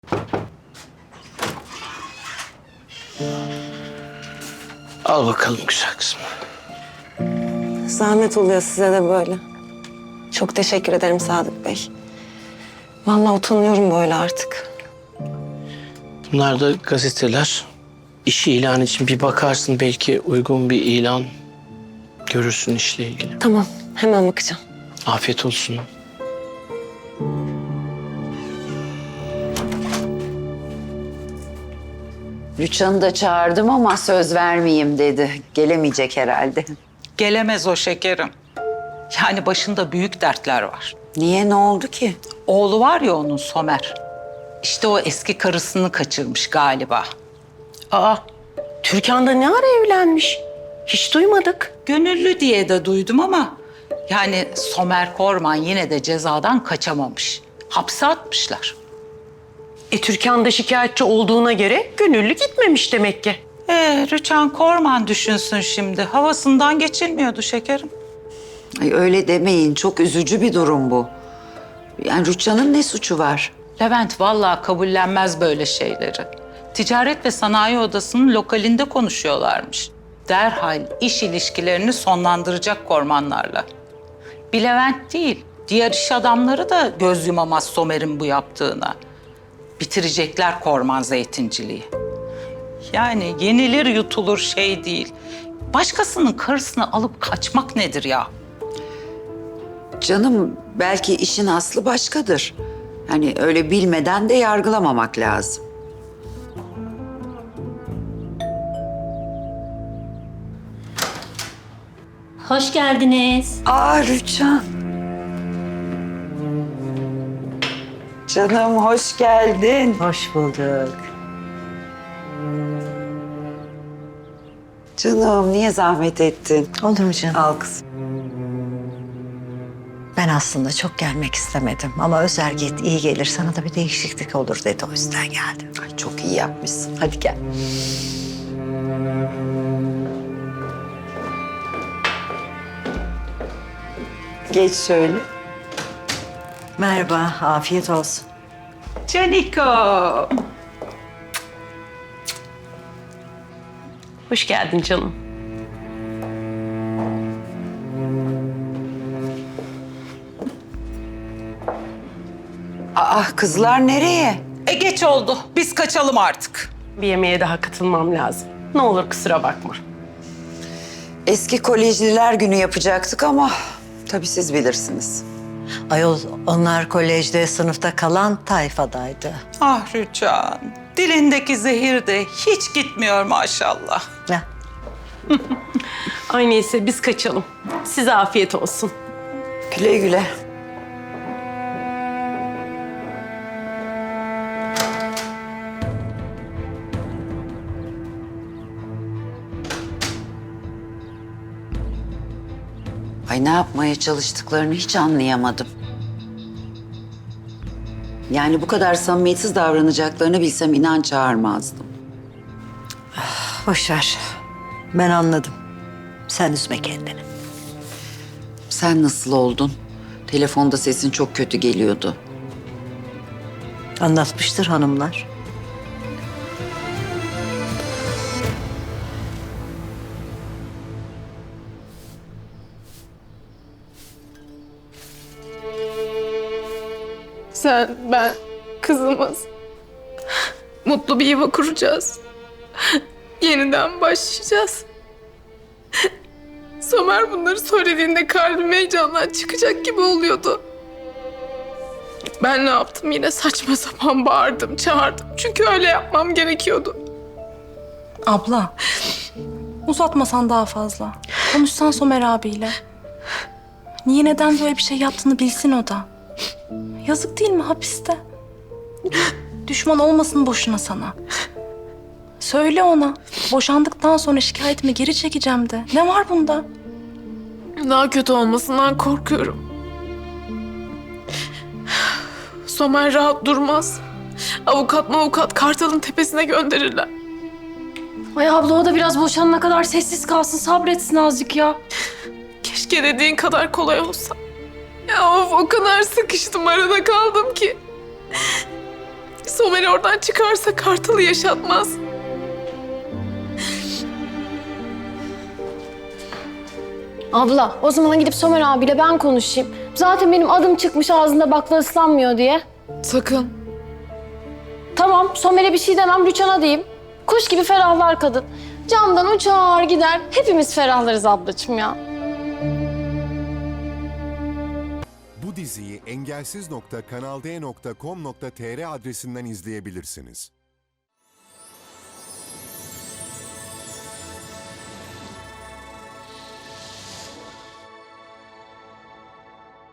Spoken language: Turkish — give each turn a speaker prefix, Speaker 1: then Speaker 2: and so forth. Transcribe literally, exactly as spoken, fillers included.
Speaker 1: Al bakalım güzel kızım.
Speaker 2: Zahmet oluyor size de böyle. Çok teşekkür ederim Sadık Bey. Vallahi utanıyorum böyle artık.
Speaker 1: Bunlar da gazeteler. İş ilanı için bir bakarsın, belki uygun bir ilan görürsün işle ilgili.
Speaker 2: Tamam, hemen bakacağım.
Speaker 1: Afiyet olsun.
Speaker 3: Rüçhan'ı da çağırdım ama söz vermeyeyim dedi. Gelemeyecek herhalde.
Speaker 4: Gelemez o şekerim. Yani başında büyük dertler var.
Speaker 3: Niye, ne oldu ki?
Speaker 4: Oğlu var ya onun, Somer. İşte o eski karısını kaçırmış galiba.
Speaker 5: Aa, Türkan da ne ara evlenmiş? Hiç duymadık.
Speaker 4: Gönüllü diye de duydum ama... yani Somer Korman yine de cezadan kaçamamış. Hapse atmışlar.
Speaker 5: E Türkan da şikayetçi olduğuna göre gönüllü gitmemiş demek ki.
Speaker 4: Ee, Rüçhan Korman düşünsün şimdi. Havasından geçilmiyordu şekerim.
Speaker 3: Ay öyle demeyin, çok üzücü bir durum bu. Yani Rüçhan'ın ne suçu var?
Speaker 4: Levent vallahi kabullenmez böyle şeyleri. Ticaret ve Sanayi Odası'nın lokalinde konuşuyorlarmış. Derhal iş ilişkilerini sonlandıracak Kormanlarla. Bir Levent değil, diğer iş adamları da göz yumamaz Somer'in bu yaptığına. Bitirecekler Korman zeytinciliği. Yani yenilir yutulur şey değil. Başkasının karısını alıp kaçmak nedir ya?
Speaker 3: Canım, belki işin aslı başkadır. Hani öyle bilmeden de yargılamamak lazım.
Speaker 6: Hoş geldiniz.
Speaker 3: Aa Rüçhan. Canım hoş geldin.
Speaker 7: Hoş bulduk.
Speaker 3: Canım niye zahmet ettin?
Speaker 7: Olur mu canım?
Speaker 3: Al kızım.
Speaker 7: Ben aslında çok gelmek istemedim ama Özer git, iyi gelir, sana da bir değişiklik olur dedi, o yüzden geldim.
Speaker 3: Ay çok iyi yapmışsın. Hadi gel. Geç şöyle.
Speaker 7: Merhaba, afiyet olsun.
Speaker 4: Caniko.
Speaker 5: Hoş geldin canım.
Speaker 3: Aa kızlar nereye?
Speaker 4: E geç oldu. Biz kaçalım artık.
Speaker 5: Bir yemeğe daha katılmam lazım. Ne olur kusura bakma.
Speaker 3: Eski kolejliler günü yapacaktık ama tabii siz bilirsiniz.
Speaker 7: Ayol, onlar kolejde sınıfta kalan tayfadaydı.
Speaker 4: Ah Rüçhan. Dilindeki zehir de hiç gitmiyor maşallah.
Speaker 7: Ya,
Speaker 5: Ay neyse biz kaçalım. Size afiyet olsun.
Speaker 3: Güle güle. Ay ne yapmaya çalıştıklarını hiç anlayamadım. Yani bu kadar samimiyetsiz davranacaklarını bilsem inan çağırmazdım.
Speaker 7: boş ver. Ben anladım. Sen üzme kendini.
Speaker 3: Sen nasıl oldun? Telefonda sesin çok kötü geliyordu.
Speaker 7: Anlatmıştır hanımlar.
Speaker 8: Sen, ben, kızımız mutlu bir yuva kuracağız. Yeniden başlayacağız. Somer bunları söylediğinde kalbim heyecandan çıkacak gibi oluyordu. Ben ne yaptım? Yine saçma sapan bağırdım, çağırdım. Çünkü öyle yapmam gerekiyordu.
Speaker 9: Abla, uzatmasan daha fazla. Konuşsan Somer abiyle. Niye, neden böyle bir şey yaptığını bilsin o da. Yazık değil mi hapiste? Düşman olmasın boşuna sana. Söyle ona. Boşandıktan sonra şikayetimi geri çekeceğim de. Ne var bunda?
Speaker 8: Daha kötü olmasından korkuyorum. Somer rahat durmaz. Avukat mavukat Kartal'ın tepesine gönderirler.
Speaker 6: Ay abla, o da biraz boşanana kadar sessiz kalsın, sabretsin azıcık ya.
Speaker 8: Keşke dediğin kadar kolay olsa. Ya of, o kadar sıkıştım, arada kaldım ki. Somer oradan çıkarsa Kartal'ı yaşatmaz.
Speaker 6: Abla o zaman gidip Somer abiyle ben konuşayım. Zaten benim adım çıkmış ağzında bakla ıslanmıyor diye.
Speaker 8: Sakın.
Speaker 6: Tamam Somer'e bir şey demem Rüçhan'a diyeyim. Kuş gibi ferahlar kadın. Camdan uçar gider. Hepimiz ferahlarız ablacığım ya.
Speaker 10: Bu diziyi engelsiz nokta kanal d nokta com nokta tr adresinden izleyebilirsiniz.